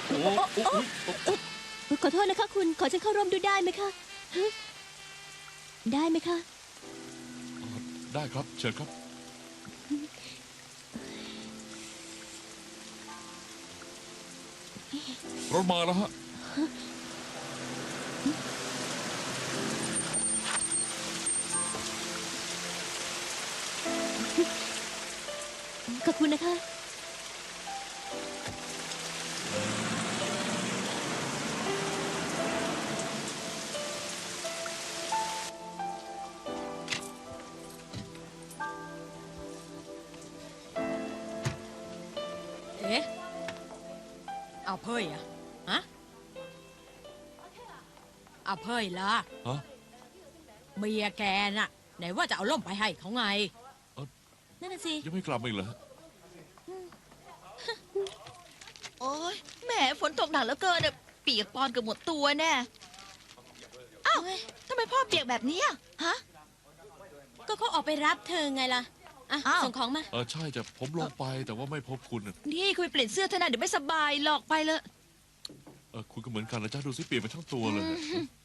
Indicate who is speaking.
Speaker 1: โอ้
Speaker 2: ขอโทษนะคะคุณขอฉันเข้าร่วมด้วยได้ไหมคะฮะได้ไหมคะ
Speaker 1: ได้ครับเชิญครับรถมาแล้วฮะ
Speaker 2: ขอบคุณนะคะ
Speaker 3: เอ๊ะเอาเพยอะฮะเอาเพยล่ะ
Speaker 1: ฮะ
Speaker 3: เมียแกน่ะ ไหนว่าจะเอาล่มไปให้เขาไง
Speaker 2: นั่นน่ะสิ
Speaker 1: ยังไม่กลับมาอีกเหรอฮะ
Speaker 4: โอ้ยแหมฝนตกหนักเหลือเกินอะเปียกปอนเกือบหมดตัวแน่อ้าวทำไมพ่อเปียกแบบนี้อะฮะ
Speaker 2: ก็เขาออกไปรับเธอไงล่ะอ่ะ
Speaker 4: อ้าว
Speaker 2: ส่งของมา
Speaker 1: ใช่จะผมลงไปแต่ว่าไม่พบคุณน่ะ
Speaker 4: นี่คุณไปเปลี่ยนเสื้อเถอะนะเดี๋ยวไม่สบายหลอกไปเลย
Speaker 1: คุณก็เหมือนกันนะจ้าดูสิเปลี่ยนไปทั้งตัวเลย